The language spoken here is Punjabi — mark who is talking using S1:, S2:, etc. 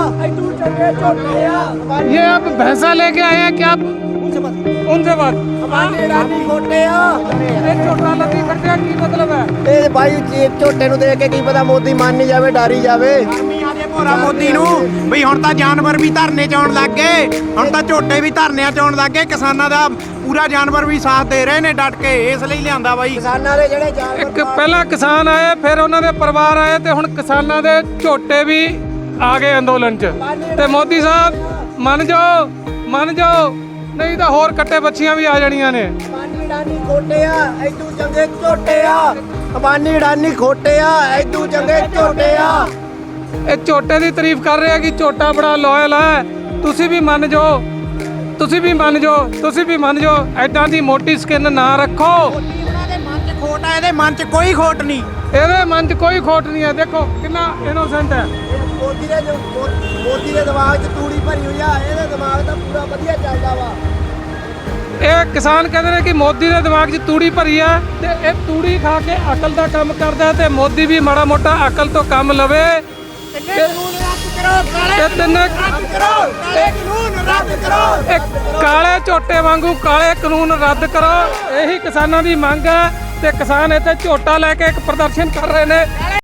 S1: ये आप भैंसा लेके आए हैं क्या? उनसे बात ਝੋਟਾ ਲੱਗੀ ਕੱਟਿਆ ਕੀ ਮਤਲਬ ਹੈ?
S2: ਇਹ ਭਾਈ ਝੋਟੇ ਨੂੰ ਦੇਖ ਕੇ ਕੀ ਪਤਾ ਮੋਦੀ ਮੰਨ ਨਹੀਂ ਜਾਵੇ, ਡਾਰੀ ਜਾਵੇ।
S3: ਭੋਰਾ ਮੋਦੀ ਨੂੰ ਵੀ ਹੁਣ ਤਾਂ ਜਾਨਵਰ ਵੀ ਧਰਨੇ ਚ ਆਉਣ ਲੱਗ ਗਏ, ਹੁਣ ਤਾਂ ਝੋਟੇ ਵੀ ਧਰਨਿਆਂ ਚ ਆਉਣ ਲੱਗ ਗਏ। ਕਿਸਾਨਾਂ ਦਾ ਪੂਰਾ ਜਾਨਵਰ ਵੀ ਸਾਥ ਦੇ ਰਹੇ ਨੇ ਡਟ ਕੇ, ਇਸ ਲਈ ਲਿਆਂਦਾ ਬਾਈ।
S2: ਕਿਸਾਨਾਂ ਦੇ ਜਿਹੜੇ ਜਾਨਵਰ
S1: ਇੱਕ ਪਹਿਲਾਂ ਕਿਸਾਨ ਆਏ, ਫਿਰ ਉਹਨਾਂ ਦੇ ਪਰਿਵਾਰ ਆਏ, ਤੇ ਹੁਣ ਕਿਸਾਨਾਂ ਦੇ ਝੋਟੇ ਵੀ ਆ ਗਏ ਅੰਦੋਲਨ 'ਚ। ਤੇ ਮੋਦੀ ਸਾਹਿਬ ਮੰਨ ਜਾਓ ਨਹੀਂ ਤਾਂ ਹੋਰ ਕੱਟੇ ਬੱਚੀਆਂ ਵੀ ਆ ਜਾਣੀਆਂ ਨੇ।
S2: ਅੰਬਾਨੀ ਅਡਾਨੀ ਖੋਟੇ ਆ, ਐਦੂ ਚੰਗੇ ਝੋਟੇ ਆ। ਅੰਬਾਨੀ ਅਡਾਨੀ ਖੋਟੇ ਆ, ਐਦੂ ਚੰਗੇ ਝੋਟੇ ਆ।
S1: ਇਹ ਝੋਟੇ ਦੀ ਤਾਰੀਫ ਕਰ ਰਹੇ ਆ ਕਿ ਝੋਟਾ ਬੜਾ ਲਾਇਲ ਹੈ। ਤੁਸੀਂ ਵੀ ਮੰਨ ਜਾਓ, ਤੁਸੀਂ ਵੀ ਮੰਨ ਜਾਓ। ਐਦਾਂ ਦੀ ਮੋਟੀ ਸਕਿਨ ਨਾ ਰੱਖੋ।
S3: ਉਹਨਾਂ ਦੇ ਮਨ 'ਚ ਖੋਟ ਆ, ਇਹਦੇ ਮਨ 'ਚ ਕੋਈ ਖੋਟ ਨਹੀਂ।
S1: ਇਹਦੇ ਮਨ 'ਚ ਕੋਈ ਖੋਟ ਨਹੀਂ ਹੈ। ਦੇਖੋ ਕਿੰਨਾ ਇਨੋਸੈਂਟ ਹੈ।
S2: ਮੋਦੀ ਦੇ ਦਿਮਾਗ 'ਚ ਤੂੜੀ ਭਰੀ ਹੋਈ ਆ, ਇਹਦਾ ਦਿਮਾਗ ਤਾਂ ਪੂਰਾ ਵਧੀਆ ਚੱਲਦਾ ਵਾ।
S1: ਇਹ ਕਿਸਾਨ ਕਹਿੰਦੇ ਨੇ ਕਿ ਮੋਦੀ ਦੇ ਦਿਮਾਗ 'ਚ ਤੂੜੀ ਭਰੀ ਹੈ, ਤੇ ਇਹ ਤੂੜੀ ਖਾ ਕੇ ਅਕਲ ਦਾ ਕੰਮ ਕਰਦਾ, ਤੇ ਮੋਦੀ ਵੀ ਮਾੜਾ ਮੋਟਾ ਅਕਲ ਤੋਂ ਕੰਮ ਲਵੇ। ਕਾਲੇ ਝੋਟੇ ਵਾਂਗੂ ਕਾਲੇ ਕਾਨੂੰਨ ਰੱਦ ਕਰੋ, ਇਹੀ ਕਿਸਾਨਾਂ ਦੀ ਮੰਗ ਹੈ। ਤੇ ਕਿਸਾਨ ਇੱਥੇ ਝੋਟਾ ਲੈ ਕੇ ਇੱਕ ਪ੍ਰਦਰਸ਼ਨ ਕਰ ਰਹੇ ਨੇ।